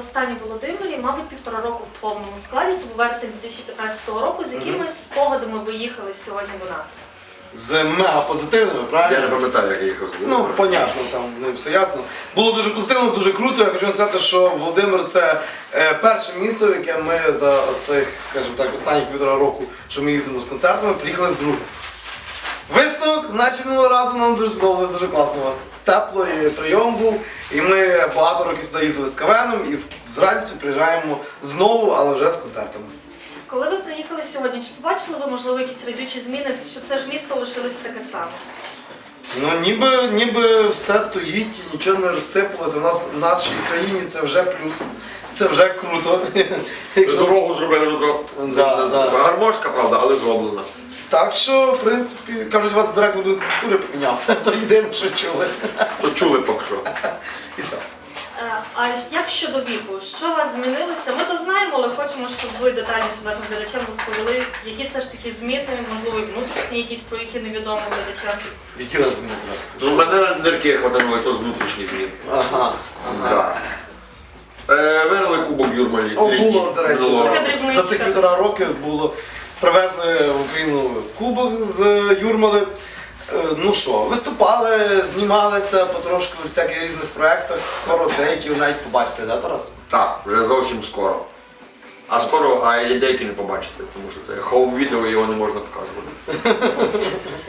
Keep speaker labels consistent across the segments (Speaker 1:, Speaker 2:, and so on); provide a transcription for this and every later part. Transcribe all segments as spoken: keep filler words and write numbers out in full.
Speaker 1: востаннє в Володимирі, мабуть, півтора року в повному складі. Це був вересень дві тисячі п'ятнадцятого року. З якими спогадами ви їхали сьогодні до нас?
Speaker 2: З мега позитивними, правильно?
Speaker 3: Я не пам'ятаю, як я їхав з
Speaker 2: Ну, понятно, там з ним все ясно. Було дуже позитивно, дуже круто. Я хочу сказати, що Володимир це е, перше місто, в яке ми за цих, скажімо так, останні півтора року, що ми їздимо з концертами, приїхали вдруге. Висновок, значить, минулого разу нам дуже сподобалось, дуже класно у вас. Теплий прийом був, і ми багато років сюди їздили з КВНом і з радістю приїжджаємо знову, але вже з концертами.
Speaker 1: Коли ви приїхали сьогодні, чи побачили ви, можливо, якісь разючі зміни, чи все ж місто лишилось таке саме?
Speaker 2: Ну, ніби, ніби все стоїть, нічого не розсипалося. У нас в нашій країні це вже плюс, це вже круто. Якщо...
Speaker 3: Дорогу зробили, ну,
Speaker 2: Да, да.
Speaker 3: гармошка, правда, але зроблена.
Speaker 2: Так що, в принципі, кажуть, у вас директор будинку культури помінявся, то єдине, що чули.
Speaker 3: То чули поки що.
Speaker 2: І все.
Speaker 1: Е, А як щодо віку? Що у вас змінилося? Ми то знаємо, але хочемо, щоб ви детальніше нашим глядачам розповіли, які все ж таки зміни, можливо, і внутрішні якісь, про які невідомо глядачам.
Speaker 2: Які вас зміни
Speaker 3: Ну, у мене нирки хватанули, то з внутрішніх змін.
Speaker 2: Ага, ага.
Speaker 3: Да. Е, виграли кубок Юрмалі.
Speaker 2: О, було, до речі,
Speaker 3: Минулого
Speaker 1: Така
Speaker 3: року.
Speaker 1: дрібничка.
Speaker 2: за цих півтора роки було, привезли в Україну кубок з Юрмали. Е, Ну що, виступали, знімалися потрошку в всяких різних проєктах, скоро деякі ви навіть побачите, да, Тарас?
Speaker 3: Так, вже зовсім скоро. А скоро, а і деякі не побачите, тому що це хоум-відео, його не можна показувати.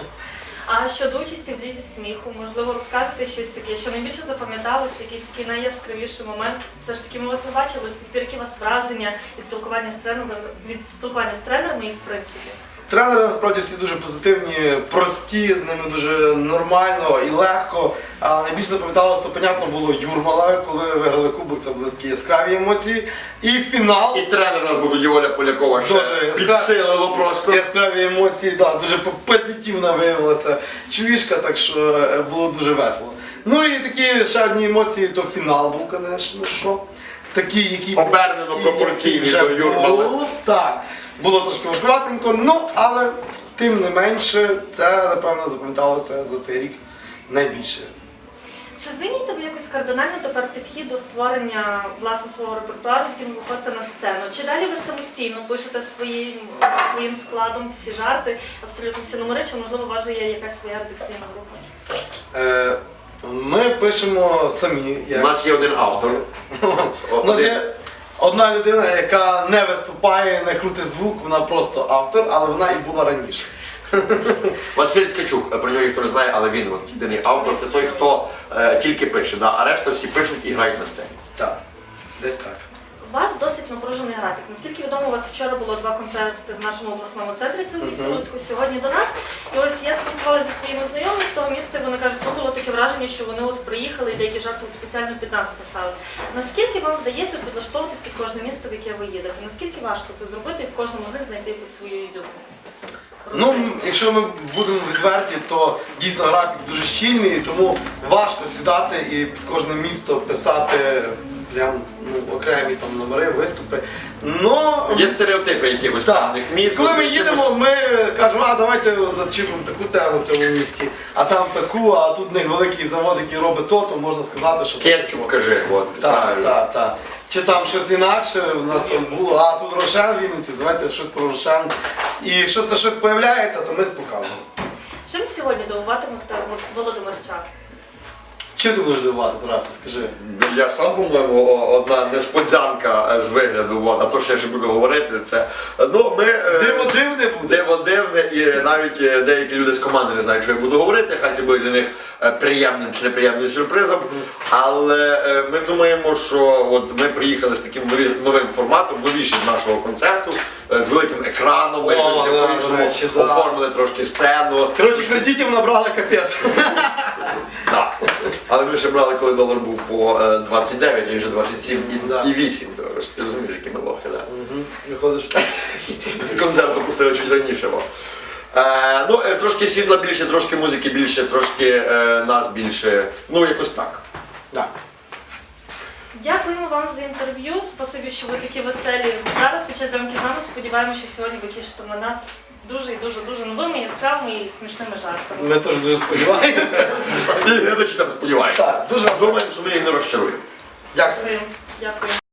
Speaker 1: А щодо участі в лізі сміху, можливо, розкажете щось таке, що найбільше запам'яталося, якийсь такий найяскравіший момент. Все ж таки ми вас не бачили, з тих пір, які у вас враження від спілкування з тренерами, від спілкування з тренерами і в принципі.
Speaker 2: Тренери насправді всі дуже позитивні, прості, з ними дуже нормально і легко. А найбільше запам'яталося, то, понятно, було Юрмала, коли виграли кубок, це були такі яскраві емоції. І фінал.
Speaker 3: І тренер у нас буде Юля Полякова ще
Speaker 2: Дуже
Speaker 3: підсилило просто.
Speaker 2: Яскраві емоції, да, дуже позитивна виявилася чувішка, так що е, було дуже весело. Ну і такі ще одні емоції, то фінал був, звісно, що. Такі, які
Speaker 3: Обернено
Speaker 2: які-
Speaker 3: пропорційні
Speaker 2: які вже
Speaker 3: до Юрмали.
Speaker 2: було. Так, було трошки важкуватенько, ну, але тим не менше, це, напевно, запам'яталося за цей рік найбільше.
Speaker 1: Чи змінюєте ви якось кардинально тепер підхід до створення власне свого репертуару, з яким ви виходите на сцену? Чи далі ви самостійно пишете своїм, своїм складом всі жарти, абсолютно всі номери, чи можливо у вас є якась своя редакційна група?
Speaker 2: Е, ми пишемо самі.
Speaker 3: У
Speaker 2: Як...
Speaker 3: нас є один автор.
Speaker 2: У нас є одна людина, яка не виступає, не крутить звук, вона просто автор, але вона і була раніше.
Speaker 3: Василь Ткачук, про нього ніхто не знає, але він от, єдиний автор, це той, хто е, тільки пише, да? А решта всі пишуть і грають на сцені.
Speaker 2: Так, десь так.
Speaker 1: У вас досить напружений графік. Наскільки відомо, у вас вчора було два концерти в нашому обласному центрі, це у місті
Speaker 2: Мгм.
Speaker 1: Луцьку, сьогодні до нас. І ось я спілкувалася зі своїми знайомими з того міста, і вони кажуть, що було таке враження, що вони от приїхали і деякі жарти от спеціально під нас писали. Наскільки вам вдається підлаштовуватись під кожне місто, в яке ви їдете? Наскільки важко це зробити і в кожному з них знайти якусь свою ізюмку?
Speaker 2: Ну, якщо ми будемо відверті, то дійсно графік дуже щільний, тому важко сідати і під кожне місто писати прям ну, окремі там номери, виступи. Но...
Speaker 3: Є стереотипи якихось
Speaker 2: Так.
Speaker 3: певних міст.
Speaker 2: Коли ми
Speaker 3: чимось-
Speaker 2: їдемо, ми кажемо, а давайте зачіпимо таку тему в цьому місті, а там таку, а тут в них великий завод, який робить то, то можна сказати, що...
Speaker 3: Кетчуп, кажи, от,
Speaker 2: Так,
Speaker 3: правильно.
Speaker 2: так, так. Чи там щось інакше в нас там було, а тут Рошен в Вінниці, давайте щось про Рошен. І якщо це щось з'являється, то ми показуємо.
Speaker 1: Чим сьогодні дивуватимете володимирчан?
Speaker 2: Чим ти будеш дивувати, Тарасе, скажи?
Speaker 3: Я сам, по-моєму, о- одна несподзянка з вигляду, от, а то, що я ще буду говорити, це... Ну, ми... е,
Speaker 2: Диво дивне буде.
Speaker 3: Диво дивне, і навіть е, деякі люди з команди не знають, що я буду говорити, хай це буде для них е, приємним чи неприємним сюрпризом. Але е, ми думаємо, що от ми приїхали з таким нові- новим форматом, новішим нашого концерту, е, з великим екраном, ми
Speaker 2: О,
Speaker 3: якось
Speaker 2: да,
Speaker 3: по-іншому
Speaker 2: до речі, да.
Speaker 3: оформили трошки сцену.
Speaker 2: Коротше, кредитів набрали капець.
Speaker 3: Да. Але ми ще брали, коли долар був по е, двадцять дев'ять, а він вже двадцять сім
Speaker 2: Да.
Speaker 3: і вісім. Тож ти розумієш, які ми лохи, да?
Speaker 2: Виходиш так.
Speaker 3: Концерт запустили чуть раніше. Бо. Е, ну, е, трошки світла більше, трошки музики більше, трошки е, нас більше. Ну, якось так.
Speaker 2: Так.
Speaker 1: Дякуємо вам за інтерв'ю. Спасибі, що ви такі веселі зараз під час зйомки з нами. Сподіваємося, що сьогодні ви тішитиме нас дуже і дуже дуже новими, яскравими і смішними жартами.
Speaker 2: Ми теж дуже сподіваємося.
Speaker 3: І глядачі там сподіваються.
Speaker 2: Так, дуже
Speaker 3: Думаємо, що ми їх не розчаруємо.
Speaker 2: дякую.
Speaker 1: Дякую. Дякую.